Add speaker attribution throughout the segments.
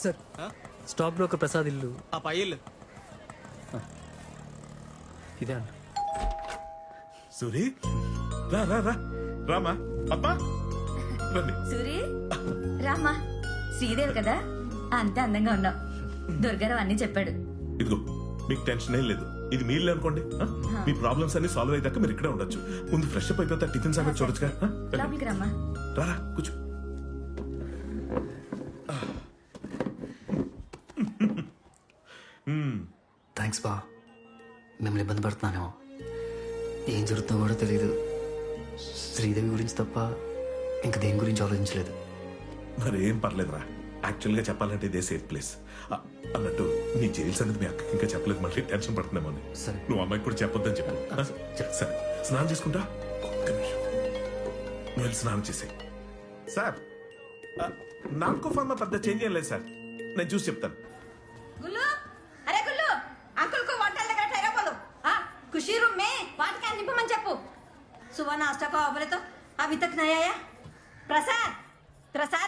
Speaker 1: Sir stock broker Prasad ఇల్లు
Speaker 2: ఆ పై ఇల్లు.
Speaker 1: ఇదే అండి.
Speaker 3: సూరి రా రా రా రామా అబ్బా రండి.
Speaker 4: సూరి రామ్మా. శ్రీదేవి కదా, అంతే అందంగా ఉన్నావు. దుర్గారావు అన్ని చెప్పాడు.
Speaker 3: ఇదిగో మీకు టెన్షన్ ఏం లేదు, ఇది మీ ఇల్లు అనుకోండి. మీ ప్రాబ్లమ్స్ అన్ని సాల్వ్ అయ్యాక మీరు ఇక్కడే ఉండొచ్చు. ముందు ఫ్రెష్ అప్ అయిపోతా టిఫిన్ సంగతి చూడొచ్చుగా.
Speaker 4: లోపలికి రమ్మా.
Speaker 3: రారా కూర్చో.
Speaker 1: థ్యాంక్స్ బా. మిమ్మల్ని ఇబ్బంది పడుతున్నానేమో. ఏం జరుగుతుందో కూడా తెలియదు. శ్రీదేవి గురించి తప్ప ఇంక దేని గురించి ఆలోచించలేదు.
Speaker 3: మరి ఏం పర్లేదురా, యాక్చువల్ గా చెప్పాలంటే ఇదే సేఫ్ ప్లేస్. అన్నట్టు నీ జైలు సంగతి మీ అక్కకి ఇంకా చెప్పలేదు, మళ్ళీ టెన్షన్ పడుతున్నామో అని.
Speaker 1: సరే.
Speaker 3: నువ్వు అమ్మాయికి కూడా చెప్పొద్దని చెప్పు. సరే స్నానం చేసుకుంటా. ఒక్క నిమిషం, నువ్వు వెళ్ళి స్నానం చేసే. సార్ నాకు ఫార్మా పెద్ద చేంజ్ ఏం లేదు సార్, నేను చూసి చెప్తాను.
Speaker 4: గుల్లు, అరే గుల్లు, అంకుల్ కు వంటల దగ్గర టైరా పోదు. ఖుషీ రూమ్ మే వాటికి నింపమని చెప్పు. सुबह नाश्ता को बोले तो अभी तक नहीं आया. प्रसाद प्रसाद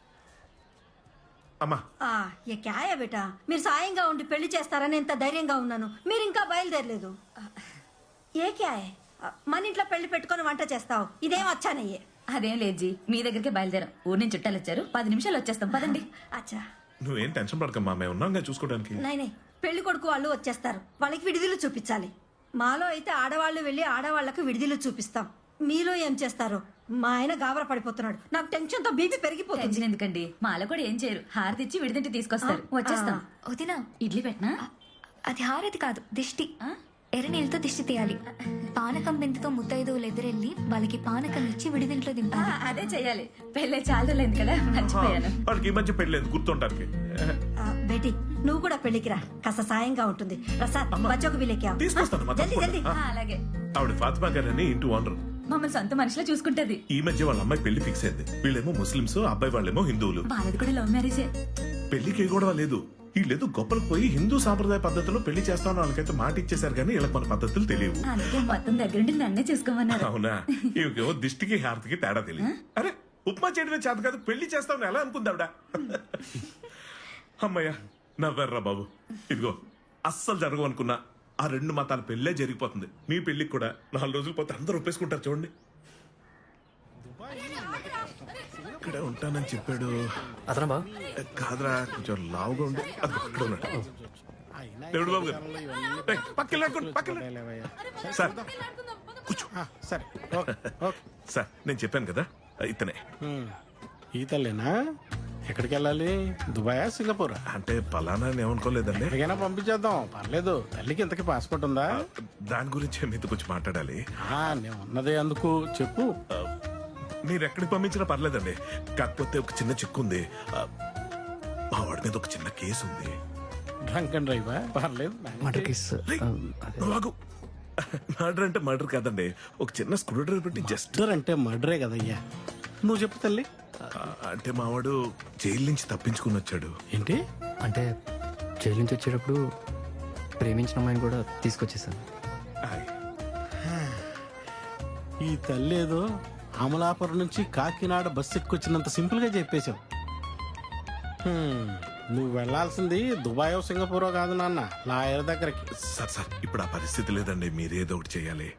Speaker 3: అమ్మా
Speaker 4: ये क्या है बेटा. మీరు సాయంగా ఉండి పెళ్లి చేస్తారని ఎంత ధైర్యంగా ఉన్నాను, మీరు ఇంకా బయలుదేరలేదు. ఏ క్యా హై, మన ఇంట్లో పెళ్లి పెట్టుకొని వంట చేస్తావు, ఇదేం వచ్చానయ్యే.
Speaker 5: అదేం లేదు జీ, మీ దగ్గరికి బయలుదేరాం. ఊరి నుంచి చుట్టాలు వచ్చారు, 10 నిమిషాలు వచ్చేస్తాం, పదండి.
Speaker 4: అచ్చా
Speaker 3: నువ్వేం టెన్షన్ పడకమ్మా, మేము ఉన్నాంగా చూసుకోవడానికి.
Speaker 4: నై పెళ్లి కొడుకు వాళ్ళు వచ్చేస్తారు, వాళ్ళకి విడిదిలు చూపించాలి. మాలో అయితే ఆడవాళ్ళు వెళ్ళి ఆడవాళ్లకు విడిదిలు చూపిస్తాం. మీలో ఏం చేస్తారో. మా ఆయన గాబర పడిపోతున్నాడు, నాకు టెన్షన్ తో బీపీ పెరిగిపోతుంది.
Speaker 5: టెన్షన్ ఎందుకండి, మాలో కూడా ఏం చేయరు, హారతి ఇచ్చి విడిదింటి తీసుకొస్తారు. వచ్చేస్తాం.
Speaker 6: వదినా,
Speaker 5: ఇడ్లీ పెట్టనా?
Speaker 6: అది హారతి కాదు, దిష్టి. ఎర్ర నీళ్ళతో దిష్టి తీయాలి. పానకం బిందుతో ముత్తైదువులు ఎదురెళ్ళి వాళ్ళకి పానకం ఇచ్చి విడిదింట్లో దింపాలి.
Speaker 5: అదే చెయ్యాలి. పెళ్ళే చాలా లేదు కదా, మర్చిపోయాను.
Speaker 3: వాడికి ఈ మధ్య పెళ్ళలేదు గుర్తుంటానికి.
Speaker 4: బేటీ నువ్వు కూడా పెళ్లికి రా, కాస్త సాయంగా ఉంటుంది. ప్రసాద్ బచ్చోకు బిలేకి
Speaker 3: తీసుకొస్తాను.
Speaker 4: జల్దీ జల్దీ.
Speaker 5: అలాగే.
Speaker 3: ఆవిడ ఫాతిమా గారని ఇంటి ఓనర్.
Speaker 5: మమ్మల్ని సొంత మనిషిలో చూసుకుంటది.
Speaker 3: ఈ మధ్య వాళ్ళ అమ్మాయి పెళ్లి ఫిక్స్ అయింది. వీళ్ళేమో ముస్లింస్, అబ్బాయి వాళ్ళేమో హిందువులు.
Speaker 5: వాళ్ళది కూడా లవ్ మ్యారేజే.
Speaker 3: పెళ్లికి గొడవ లేదు. వీళ్ళేదో గొప్పలకు పోయి హిందూ సాంప్రదాయ పద్ధతిలో పెళ్లి చేస్తామని వాళ్ళకైతే మాట ఇచ్చేసారు, కానీ వీళ్ళకి మన పద్ధతులు తెలియవు.
Speaker 5: అందుకే మొత్తం దగ్గరుండి నన్నే చేసుకోమన్నారు.
Speaker 3: అవునా, ఇవికేమో దిష్టికి హారతికి తేడా తెలియదు. అరే ఉప్మా చేయడమే చేత కాదు, పెళ్లి చేస్తామని ఎలా అనుకుందావిడ. అమ్మయ్య నవ్వర్రా బాబు. ఇదిగో అస్సలు జరగవు అనుకున్నా ఆ 2 మతాల పెళ్ళే జరిగిపోతుంది. మీ పెళ్లికి కూడా 4 రోజులు పోతే అందరూ ఒప్పేసుకుంటారు. చూడండి, ఇక్కడే ఉంటానని చెప్పాడు.
Speaker 1: అతనా బా?
Speaker 3: కాదురా, కొంచెం లావుగా ఉండి అక్కడ ఉన్నాడు. దేవుడు బాబు గారు సార్ కూర్చో.
Speaker 7: సరే
Speaker 3: సార్ నేను చెప్పాను కదా ఇతనే.
Speaker 7: ఈ తల్లేనా? ఎక్కడికి వెళ్ళాలి? దుబాయా, సింగపూర్?
Speaker 3: అంటే పలానా ఏమనుకోలేదండి.
Speaker 7: ఎక్కడికైనా పంపించేద్దాం, పర్లేదు. తల్లికి ఇంతకీ పాస్పోర్ట్ ఉందా?
Speaker 3: దాని గురించి మీతో కొంచెం మాట్లాడాలి.
Speaker 7: నేను ఉన్నదే అందుకు చెప్పు.
Speaker 3: మీరు ఎక్కడికి పంపించినా పర్లేదండి, కాకపోతే ఒక చిన్న చిక్కు ఉంది. మా వాడి మీద ఒక చిన్న కేసు ఉంది.
Speaker 7: డ్రంక్ అండ్ డ్రైవా? పర్లేదు.
Speaker 1: Murder case.
Speaker 3: మర్డర్ అంటే మర్డర్ కాదండి, ఒక చిన్న స్క్రూ డ్రైవర్ పెట్టి జస్ట్.
Speaker 7: మర్డర్ అంటే మర్డరే కదయ్యా. నువ్వు చెప్పు తల్లి.
Speaker 3: అంటే మావాడు జైలు నుంచి తప్పించుకుని వచ్చాడు.
Speaker 7: ఏంటి
Speaker 1: అంటే జైలు నుంచి వచ్చేటప్పుడు ప్రేమించిన అమ్మాయిని కూడా తీసుకొచ్చేసాను.
Speaker 7: ఈ తల్లి ఏదో అమలాపురం నుంచి కాకినాడ బస్సు ఎక్కువచ్చినంత సింపుల్ గా చెప్పేశావు. నువ్వు వెళ్లాల్సింది దుబాయో సింగపూరో కాదు నాన్న, లాయర్ దగ్గరికి.
Speaker 3: సార్ ఇప్పుడు ఆ పరిస్థితి లేదండి, మీరేదో ఒకటి చెయ్యాలి.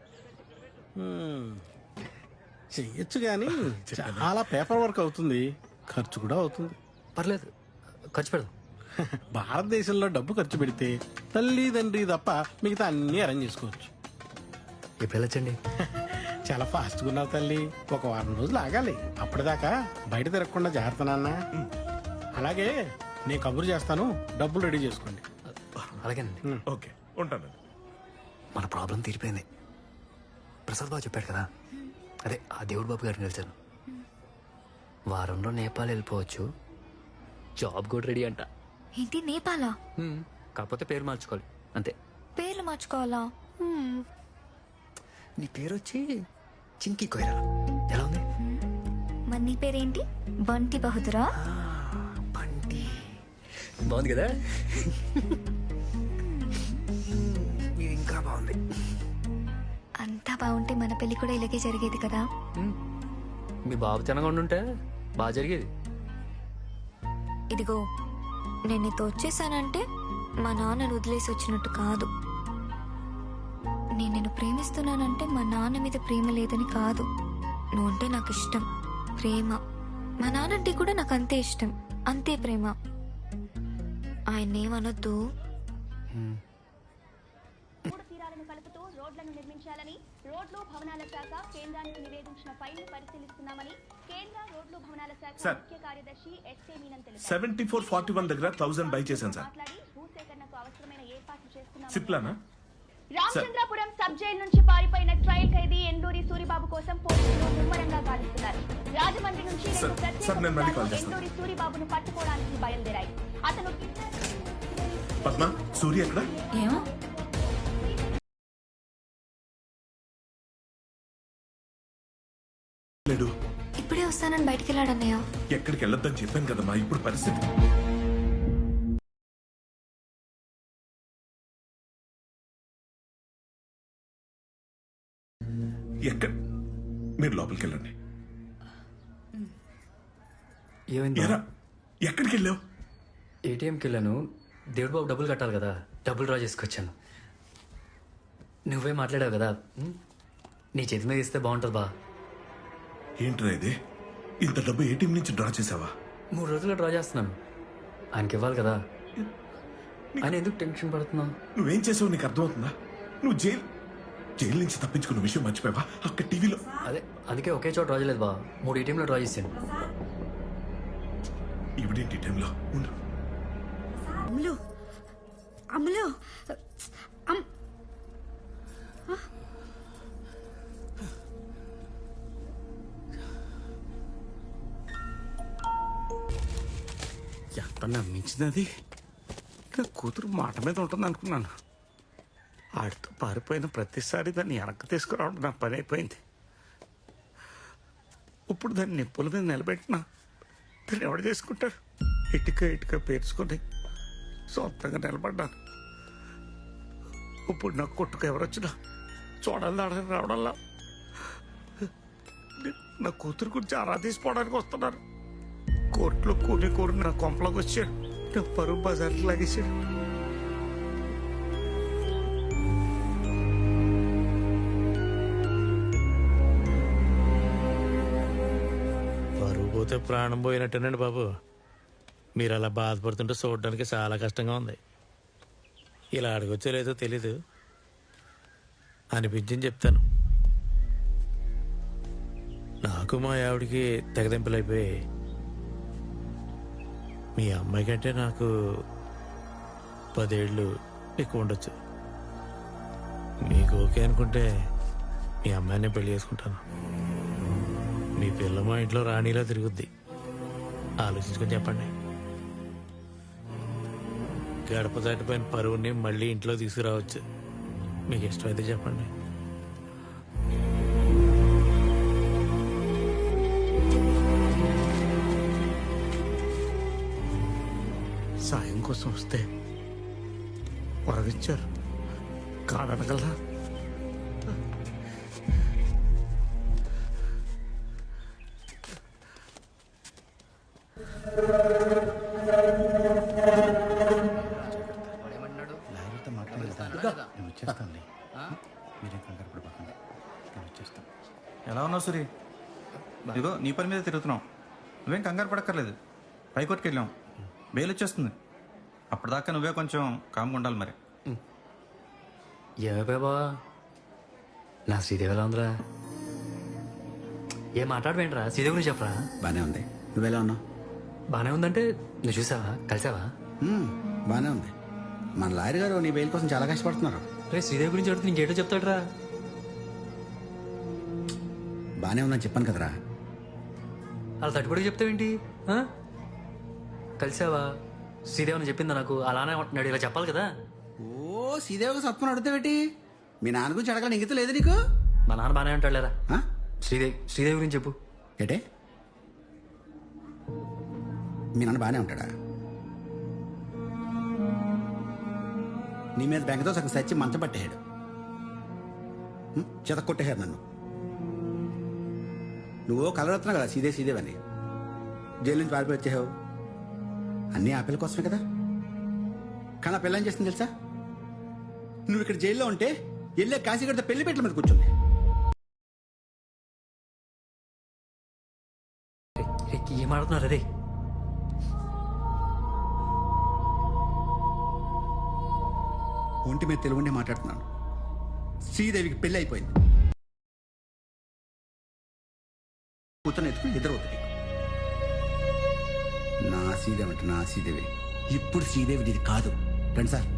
Speaker 7: చెయ్యొచ్చు గాని చాలా పేపర్ వర్క్ అవుతుంది, ఖర్చు కూడా అవుతుంది.
Speaker 1: పర్లేదు, ఖర్చు పెడదాం.
Speaker 7: భారతదేశంలో డబ్బు ఖర్చు పెడితే తల్లి తండ్రి తప్ప మిగతా అన్ని అరేంజ్ చేసుకోవచ్చు.
Speaker 1: ఇప్పుడు వెళ్ళొచ్చండి.
Speaker 7: చాలా ఫాస్ట్ గా ఉన్నావు తల్లి, ఒక వారం రోజులు ఆగాలి. అప్పటిదాకా బయట తిరగకుండా జాగ్రత్త నాన్న. అలాగే నేను కబురు చేస్తాను, డబ్బులు రెడీ చేసుకోండి.
Speaker 1: అలాగేనండి.
Speaker 3: ఓకే ఉంటాను.
Speaker 1: మన ప్రాబ్లం తీరిపోయింది. ప్రసాద్ బాబు చెప్పాడు కదా, అదే ఆ దేవుడు బాబు గారిని కలిసాను. వారంలో నేపాల్ వెళ్ళిపోవచ్చు, జాబ్ కూడా రెడీ అంట.
Speaker 6: ఏంటి నేపాలా?
Speaker 1: కాకపోతే పేరు మార్చుకోవాలి అంతే.
Speaker 6: పేర్లు మార్చుకోవాలా?
Speaker 1: నీ పేరు వచ్చి చింకి కొయిరాలా. ఎలా ఉంది?
Speaker 6: మరి నీ పేరేంటి? బంటి బహదూరా?
Speaker 1: బంటి బాగుంది కదా. ఇది ఇంకా బాగుంది.
Speaker 6: అంతా బాగుంటే మన పెళ్లి కూడా ఇలాగే జరిగేది కదా.
Speaker 1: మీ బాబు తినగా ఉండుంటే బాగా జరిగేది.
Speaker 6: ఇదిగో నేను నీతో వచ్చేసానంటే మా నాన్నను వదిలేసి వచ్చినట్టు కాదు. నేను నిన్ను ప్రేమిస్తున్నానంటే మా నాన్న మీద ప్రేమ లేదని కాదు. నువ్వంటే నాకు ఇష్టం, ప్రేమ. మా నాన్నంటే కూడా నాకు అంతే ఇష్టం, అంతే ప్రేమ. ఆయన్నేమనొద్దు.
Speaker 2: మూడు తీరాలను కలుపుతూ రోడ్లను నిర్మించాలని రోడ్లు భవనాల శాఖ కేంద్రానికి నివేదించిన ఫైల్ను పరిశీలిస్తున్నామని కేంద్ర రోడ్లు భవనాల శాఖ
Speaker 3: సార్.
Speaker 2: ముఖ్య కార్యదర్శి ఎస్కే మీనన్ తెలిపారు.
Speaker 3: 7441 దగ్గర 1000 బై చేశాను సార్.
Speaker 2: మాట్లాడి భూసేకరణకు అవసరమైన ఏర్పాట్లు చేస్తున్నామని
Speaker 3: సిప్లానా?
Speaker 2: రామచంద్రపురం సబ్ జైలు నుంచి పారిపోయిన ట్రయల్ ఖైదీ ఎండూరి సూరిబాబు కోసం పోలీసులు ముమ్మరంగా గాలిస్తున్నారు. రాజమండ్రి నుంచి
Speaker 3: సార్,
Speaker 2: రెండు ప్రత్యేక
Speaker 3: సార్, నేను మళ్ళీ కాల్
Speaker 2: బృందాలు
Speaker 3: చేస్తాను.
Speaker 2: ఎండూరి సూరిబాబును పట్టుకోవడానికి బయలుదేరాయి. అతను
Speaker 3: పద్మ, సూర్య ఎక్కడ?
Speaker 5: ఏమో
Speaker 3: లేడు.
Speaker 6: ఇప్పుడే వస్తానని బయటికి వెళ్ళాడన్నయ్య.
Speaker 3: ఎక్కడికి వెళ్ళొద్దని చెప్పాను కదమ్మా. ఇప్పుడు పరిస్థితి ఎక్కడ? మీరు లోపలికి వెళ్ళండి.
Speaker 1: ఏమైంది?
Speaker 3: ఎరా, ఎక్కడికి వెళ్ళావు?
Speaker 1: ఏటీఎంకి వెళ్ళాను. దేవుడు బాబు డబ్బులు కట్టాలి కదా, డబ్బులు డ్రా చేసుకొచ్చాను. నువ్వే మాట్లాడావు కదా, నీ చేతి మీద ఇస్తే బాగుంటుంది బా.
Speaker 3: ఏంట్రా ఇది? ఇంత డబ్బు ఏటీఎం నుంచి డ్రా చేసావా?
Speaker 1: 3 రోజుల్లో డ్రా చేస్తున్నాను. ఆయనకి ఇవ్వాలి కదా. ఆయన ఎందుకు టెన్షన్ పడుతున్నావు?
Speaker 3: నువ్వేం చేసావు నీకు అర్థమవుతుందా? నువ్వు జైలు నుంచి తప్పించుకున్న విషయం మర్చిపోయావా? అక్కడ టీవీలో
Speaker 1: అదే, అందుకే ఒకే చోట డ్రా చేయలేదు బా, 3 ఏటీఎంలో డ్రా చేశాను.
Speaker 3: ఇవిడేంటి టైంలో ఉండు.
Speaker 4: అమ్ములు అమ్ములు
Speaker 7: ఎంత నమ్మించినది. నా కూతురు మాట మీద ఉంటుంది అనుకున్నాను. ఆడితో పారిపోయిన ప్రతిసారి దాన్ని వెనక్కి తీసుకురావడం నా పని అయిపోయింది. ఇప్పుడు దాన్ని నిప్పుల మీద నిలబెట్టినా దాన్ని ఎవడు చేసుకుంటాడు? ఇటుక పేర్చుకొని సొంతంగా నిలబడ్డాను. ఇప్పుడు నాకు కొట్టుకు ఎవరొచ్చినా చూడాలి ఆడని రావడంలా నా కూతురు గురించి ఆరా తీసుకోవడానికి వస్తున్నారు. కోర్టులో కూరి నా కొంపలోకి వచ్చాడు. నా పరువు బజార్కి లాగేశాడు.
Speaker 8: పరువు పోతే ప్రాణం పోయినట్టేనండి బాబు. మీరు అలా బాధపడుతుంటే చూడడానికి చాలా కష్టంగా ఉంది. ఇలా అడగొచ్చో లేదో తెలీదు, అనిపించింది చెప్తాను. నాకు మా ఆవిడికి తెగదెంపులైపోయి మీ అమ్మాయి కంటే నాకు 10 ఏళ్ళు ఎక్కువ ఉండొచ్చు. మీకు ఓకే అనుకుంటే మీ అమ్మాయిని పెళ్లి చేసుకుంటాను. మీ పిల్ల మా ఇంట్లో రాణిలా తిరుగుద్ది. ఆలోచించుకొని చెప్పండి. గడప దాటిపోయిన పరువుని మళ్ళీ ఇంట్లో తీసుకురావచ్చు. మీకు ఇష్టమైతే చెప్పండి.
Speaker 7: సాయం కోసం వస్తే వరవిచ్చారు, కాదనగలరా?
Speaker 9: ఎలా ఉన్నావు సూరి? ఇదిగో నీ పని మీద తిరుగుతున్నావు. నువ్వేం కంగారు పడక్కర్లేదు. హైకోర్టుకి వెళ్ళాం, బెయిల్ వచ్చేస్తుంది. అప్పటిదాకా నువ్వే కొంచెం కామ్గా ఉండాలి మరి.
Speaker 1: ఏమైపోయా బావా? నా శ్రీదేవి ఎలా ఉందిరా? ఏం మాట్లాడవేంట్రా? శ్రీదేవి గురించి చెప్పరా.
Speaker 10: బానే ఉంది. నువ్వెలా ఉన్నావు?
Speaker 1: బానే ఉందంటే నువ్వు చూసావా, కలిసావా?
Speaker 10: బానే ఉంది. మన లాయర్ గారు నీ బెయిల్ కోసం చాలా కష్టపడుతున్నారు.
Speaker 1: రే, శ్రీదేవి గురించి అడిగితే ఇంకేటో చెప్తాడురా.
Speaker 10: బానే ఉందని చెప్పాను కదరా.
Speaker 1: అలా తట్టుబడికి చెప్తావేంటి? ఆ? కలిసావా? శ్రీదేవి అని చెప్పిందా నాకు? అలానే అంటున్నాడు, ఇలా చెప్పాలి కదా.
Speaker 10: ఓ సీదేవిగా సత్వం అడుగుతావేటి? మీ నాన్న గురించి అడగాలని ఇంగిత లేదు నీకు?
Speaker 1: మా నాన్న బానే అంటాడు లేరా.
Speaker 10: ఆ?
Speaker 1: శ్రీదేవి గురించి చెప్పు.
Speaker 10: ఏటే మీ నాన్న బానే ఉంటాడా? నీ మీద బెంగతో సగం సచ్చి మంచం పట్టేశాడు. చేత కొట్టేశారు నన్ను. నువ్వు కలరత్నా కదా సీదేవని. జైలు నుంచి పారిపోయి వచ్చేసావు. అన్నీ ఆ పిల్ల కోసమే కదా. కానీ ఆ పిల్ల ఏం చేస్తుంది తెలుసా? నువ్వు ఇక్కడ జైల్లో ఉంటే వెళ్ళే కాశీగడితో పెళ్లి పెట్టల మీద కూర్చుంది.
Speaker 1: ఏం ఆడుతున్నారు అదే?
Speaker 10: ఒంటి మీద తెలుగుండే మాట్లాడుతున్నాను. శ్రీదేవికి పెళ్లి అయిపోయింది. కూతురు ఎత్తుకుని నిద్రవుతుంది. నా శ్రీదేవి అంటే నా శ్రీదేవి. ఇప్పుడు శ్రీదేవి ఇది కాదు. రండి సార్.